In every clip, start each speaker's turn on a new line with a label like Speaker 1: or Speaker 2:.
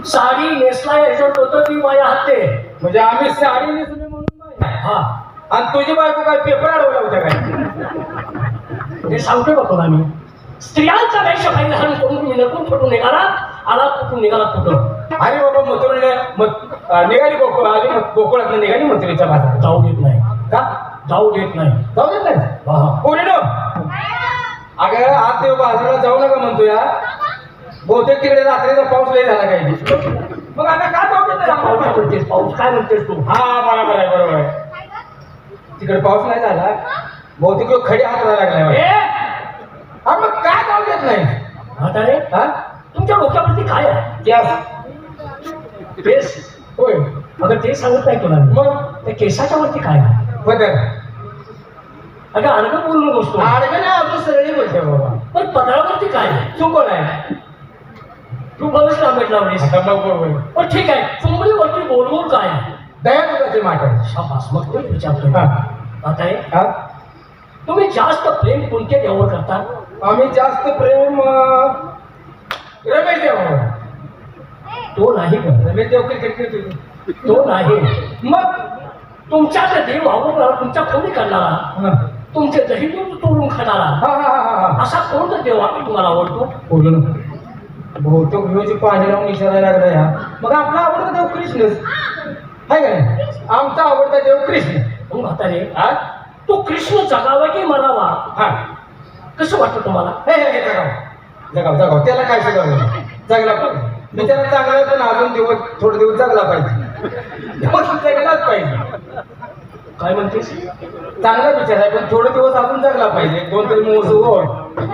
Speaker 1: साडी नेसला याच्यात होतं ती माझ्या हाते.
Speaker 2: म्हणजे आम्ही साडी नेसली म्हणून बाई.
Speaker 1: हा
Speaker 2: आणि तुझी बायको काय पेपर अडवला होता काय?
Speaker 1: ते सांगतोय बा तुला मी. स्त्रियांचा वेश परिधान करून तुम्ही नकून फुटून निघाला, आला कुठून निघाला कुठं.
Speaker 2: अरे बाबा मथुरीने निघाली गोकुळ आली गोकुळात निघाली मथुरीच्या बाजारात.
Speaker 1: जाऊ देत नाही
Speaker 2: का
Speaker 1: जाऊ देत नाही.
Speaker 2: जाऊ देत नाही
Speaker 1: हा
Speaker 2: कोणी नो अगं आज ते बाजाराला जाऊ नका म्हणतो या. बहुतेक तिकडे रात्रीचा पाऊस लय झाला काही. मग आता काय जाऊ देत
Speaker 1: पाऊस काय म्हणतेस, पाऊस काय म्हणतेस तू.
Speaker 2: हा बरोबर आहे बरोबर आहे. तिकडे पाऊस नाही झाला बहुतेक तो खडी हाताला लागलाय. हा मग काय जाऊ देत नाही.
Speaker 1: म्हातारे
Speaker 2: हा
Speaker 1: तुमच्या डोक्यावरती काय आहे.
Speaker 2: गॅस
Speaker 1: केस
Speaker 2: होय
Speaker 1: अगं ते सांगत नाही तुला मी.
Speaker 2: मग
Speaker 1: त्या केसाच्या वरती काय आहे.
Speaker 2: बदल
Speaker 1: अगं अडगं बोलू नकोस तू.
Speaker 2: आडवे नाही अजून सरळी बोलते बाबा.
Speaker 1: पण पदरावरती काय आहे.
Speaker 2: चुकून आहे.
Speaker 1: तू बरंच लांबेट लावलीस.
Speaker 2: आता मग बरोबर
Speaker 1: पण ठीक आहे चुंबडीवरती गोल गोल काय आहे.
Speaker 2: दया दुधाची माठ
Speaker 1: शाबास मग तोच विचारतोय.
Speaker 2: हा
Speaker 1: म्हातारे
Speaker 2: हा
Speaker 1: तुम्ही जास्त प्रेम कोणत्या देवावर करता.
Speaker 2: आम्ही जास्त प्रेम रमेश देव
Speaker 1: तो नाही ग.
Speaker 2: रमेश देव क्रिकेट खेळतो.
Speaker 1: तो नाही.
Speaker 2: मग
Speaker 1: तुमच्या त्या देव आवडणारा, तुमच्या खोली करणारा,
Speaker 2: हा
Speaker 1: तुमचे दही दूध तोडून खाणारा
Speaker 2: हा हा हा
Speaker 1: असा कोणता देव तुम्हाला आवडतो.
Speaker 2: बोलू ना बहुतेक ह्योची पाणी लावून विचारायला लागला या. मग आपला आवडता देव कृष्णच आहे का नाही. आमचा आवडता देव कृष्ण.
Speaker 1: मग म्हातारे
Speaker 2: हा
Speaker 1: तो कृष्ण जगावा की मरावा
Speaker 2: हा
Speaker 1: कसं वाटतं तुम्हाला.
Speaker 2: हे जगाव जगाव जगाव त्याला काय शिकवलं जगला पाहिजे. बिचारा चांगला आहे पण अजून दिवस थोडे दिवस जगला पाहिजे. दिवस जगलाच पाहिजे.
Speaker 1: काय म्हणतेस.
Speaker 2: चांगला विचार आहे पण थोडे दिवस अजून जगला पाहिजे. 2-3 मोस ओढ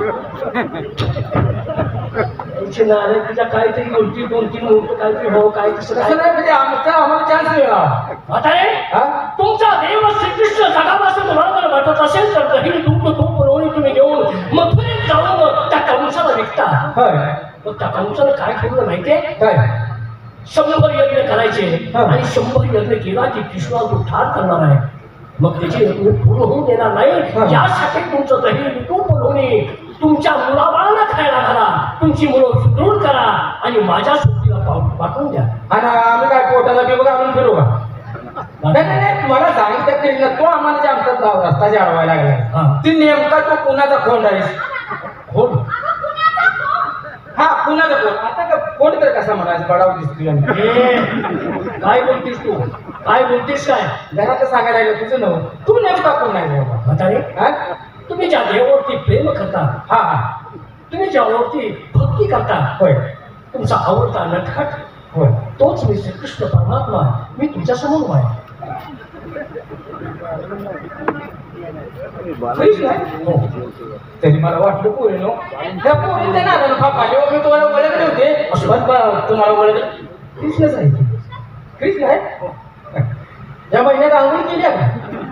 Speaker 1: तुझी नारे तुझ्या काहीतरी गोष्टी 2-3 मुहूर्त काहीतरी हो काय तसं
Speaker 2: तसं
Speaker 1: काय.
Speaker 2: नाही म्हणजे आम्हाला चान्स मिळाला.
Speaker 1: म्हातारे
Speaker 2: हा
Speaker 1: तुमचा देव श्रीकृष्ण जगावा असं तुम्हाला जर वाटत असेल तर दही दूध तूप पुरवणी तुम्ही घेऊन मथुरेत जाऊन त्या कंसाला विकता.
Speaker 2: होय
Speaker 1: मग त्या कंसाला काय ठेवलं माहितीये.
Speaker 2: काय
Speaker 1: 100 यज्ञ करायचे
Speaker 2: हा.
Speaker 1: आणि 100 यज्ञ केला की कृष्णा तो ठार करणार आहे. मग त्याची यज्ञ पूर्ण होऊन देणार नाही.
Speaker 2: हा.
Speaker 1: यासाठी तुमचं दही तूप पुरवणी तुमच्या मुलाबाळांना खायला घाला. तुमची मुलं सुदृढ करा आणि माझ्या सुट्टीला पाठवून द्या.
Speaker 2: आणि आम्ही काय पोटाला बिबग आणून फिरू का. नाही नाही नाही मला सांगितलं कृष्ण तो आम्हाला जे आमचा रस्ता जाडवायला लागला
Speaker 1: हा.
Speaker 2: ती नेमका तो पुण्याचा खोंड आहे.
Speaker 1: हो
Speaker 2: हा पुण्याचा खोंड. आता का खोंड तर कसा म्हणायचं बडाव दिसतोय.
Speaker 1: काय बोलतीस तू. काय बोलतीस काय.
Speaker 2: घरात सांगायला लागलं तुझं नव तू नेमका कोण नाही बाबा.
Speaker 1: म्हातारे
Speaker 2: हा
Speaker 1: तुम्ही ज्या देवावरती प्रेम करता,
Speaker 2: हा हा
Speaker 1: तुम्ही ज्यावरती भक्ती करता,
Speaker 2: होय
Speaker 1: तुमचा आवडता नटखट
Speaker 2: होय
Speaker 1: तोच मी श्रीकृष्ण परमात्मा. मी तुमच्या समोर आहे.
Speaker 2: कृष्ण
Speaker 1: हो.
Speaker 2: तरी मला वाटलं पोरी नो त्या पोरीच्या नादानं फापाले मी तुम्हाला ओळखले होते. पण तुम्हाला ओळखलं कृष्णच आहे. कृष्ण आहे. या महिन्यात आंघोळ केली आहे का.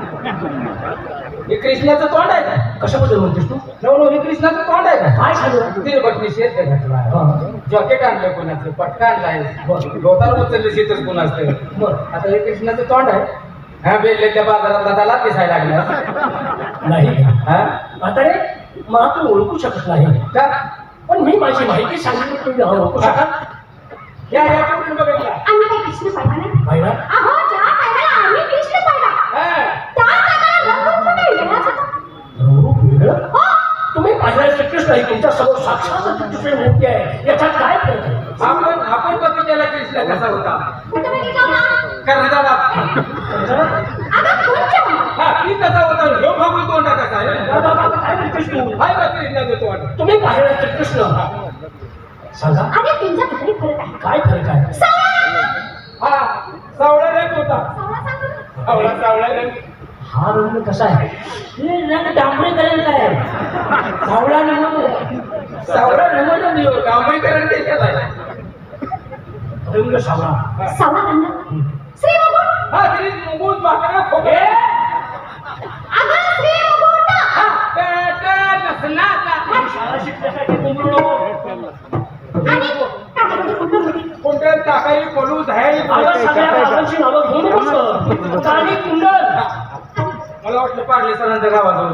Speaker 2: हे कृष्णाचं तोंड आहे का.
Speaker 1: कशाबद्दल म्हणतेस तू.
Speaker 2: नवनो हे कृष्णाचं तोंड आहे का.
Speaker 1: काय झालं.
Speaker 2: तिने बटणी शेत घातला जॉकेट आणलं कोणाचं पटका आणलाय गवताला उचललं शेतच कोणाचं.
Speaker 1: बरं
Speaker 2: आता हे कृष्णाचं तोंड आहे. हा बेले त्या बाजारात त्याला दिसायला लागला.
Speaker 1: नाही
Speaker 2: हा
Speaker 1: म्हातारे मला तू ओळखू शकत नाही
Speaker 2: का
Speaker 1: पण मी माझी माहिती सांगितली तुम्ही ओळखू शकाल.
Speaker 2: या या पोरीनं बघितला.
Speaker 3: आम्ही काही कृष्ण पाहिला नाही.
Speaker 1: पाहिला.
Speaker 3: अहो ज्या टायमाला आम्ही कृष्ण पाहिला
Speaker 2: हा.
Speaker 3: त्या टायमाला रंगरूप कुठे वेगळाच होता.
Speaker 1: रूप वेगळं.
Speaker 3: हो
Speaker 1: तुम्ही पाहिला श्रीकृष्ण आहे तुमच्या समोर साक्षात श्रीकृष्ण मूर्ती आहे. याच्यात काय फरक आहे.
Speaker 2: आपण बघितलेला कृष्ण कसा होता.
Speaker 3: कुठे बघितला होता.
Speaker 2: कर्णाचा बाप.
Speaker 3: अगं कोणच्या
Speaker 2: हा ती कसा होता ह्यो भाऊ तोंडा कसा आहे.
Speaker 1: काय म्हणतेस तू.
Speaker 2: हाय बा कृष्णाचं तोंड.
Speaker 1: तुम्ही पाहिला श्रीकृष्ण सांगा
Speaker 3: अरे तुमच्या घरी फरक आहे.
Speaker 1: काय फरक आहे.
Speaker 2: हा सावळा रंग होता.
Speaker 3: सावळा सांगू ना.
Speaker 2: सावळा रंग.
Speaker 1: हा रंग कसा आहे. हे रंग डांबरीकरणचा आहे. सावळा रंग
Speaker 2: सावळा रंग कांबळीकरण देशात आहे.
Speaker 1: रंग सावळा.
Speaker 3: सावळा रंग श्री मुकुट.
Speaker 2: हा श्री मुकुट बाकडा खोके.
Speaker 3: अगं श्री मुकुट.
Speaker 2: हा नसनाचा.
Speaker 1: शाळा शिकण्यासाठी कुंभरू नको.
Speaker 3: आणि टाकामध्ये कुठं होती.
Speaker 2: कोणत्या टाकाई पडू धायला.
Speaker 1: अगं सगळ्या बाबांची नावं घेऊन नकोस. काळी कुंडल.
Speaker 2: मला वाटलं पाडले सरांच्या गावाजवळ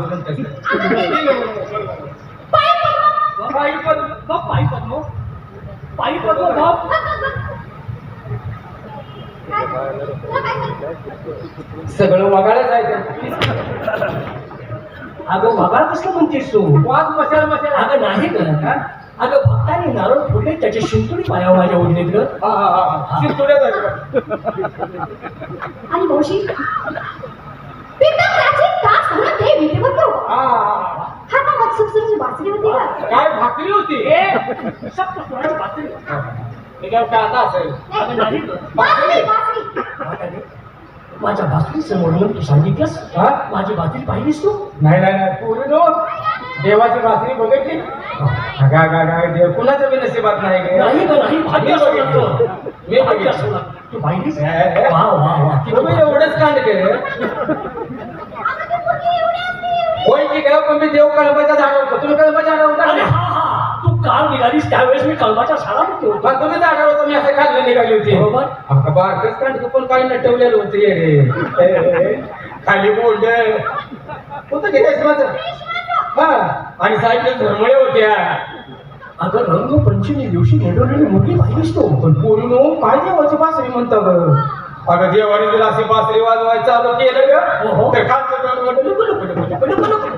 Speaker 1: पायी पद्म. पायी पद्म. पायी पद्म बाप.
Speaker 3: तुला काय झालं?
Speaker 2: सगळं वगाळच आहे ते.
Speaker 1: अगं बाबा कसं म्हणतेस तू
Speaker 2: वाद मशाल मशाल.
Speaker 1: अगं नाही का अगं भक्ताने नारळ फोडले त्याचे शिंतुडी पायावर माझ्या ओढलेत ग
Speaker 2: हा हा हा शिरतोड्या झाल्या.
Speaker 3: आणि मावशी एकदम प्राचीन काळ सगळं ते विधीवत होतं.
Speaker 2: हा, हा, हा.
Speaker 3: हातामध्ये सुरसुरीची बासरी होती का?
Speaker 2: काय भाकरी होती
Speaker 1: सप्त स्वराची बातमी.
Speaker 2: हे काय कांदा असेल.
Speaker 1: अगं नाही ग
Speaker 3: बासरी बासरी.
Speaker 1: अगं, माझ्या बासरीचं वर्णन तू सांगितलंस
Speaker 2: हा?
Speaker 1: माझी बातरी पाहिलीस तू
Speaker 2: नाही नाही नाही पुरी नो देवाची बासरी बघितली. अगा अगा अगा देव कुणाच्या बी नशिबात नाही गे.
Speaker 1: नाही ग नाही भाग्य
Speaker 2: मी
Speaker 1: असं
Speaker 2: बघितली.
Speaker 1: लागतं.
Speaker 2: मी
Speaker 1: भाग्य
Speaker 2: बघितली.
Speaker 1: असं लागतं. तू पाहिलीस
Speaker 2: हे, हे.
Speaker 1: वा वा वा किती
Speaker 2: तुम्ही एवढंच कांड केलं
Speaker 3: अगं ती पोरगी एवढी असते, एवढी.
Speaker 2: होय की काय पण मी देव कळंबाच्या झाडावर होतो. तुम्ही कळंबाच्या झाडावर
Speaker 1: अरे
Speaker 2: होता
Speaker 1: हा हा तू काल निघालीस त्यावेळेस मी कळबाच्या शाळामध्ये होतो
Speaker 2: मग तुम्ही झाडावर होतो मी असं खाल्लं निघाली होती.
Speaker 1: बरोबर.
Speaker 2: बारकच कांड पण काही नटवलेलं होतं रे. खाली बोलड होतं की रेशमाचं. हा आणि साईडला धर्मळे होत्या.
Speaker 1: अगं रंगपंचमी दिवशी नेडवलेली मुलगी पाहिलीस तू
Speaker 2: पण पोरीनो काय देवाची बासरी म्हणता ग. अगं देवाने जर अशी बासरी वाजवायला चालू केलं
Speaker 1: हो, हो.
Speaker 2: ग तर खालचं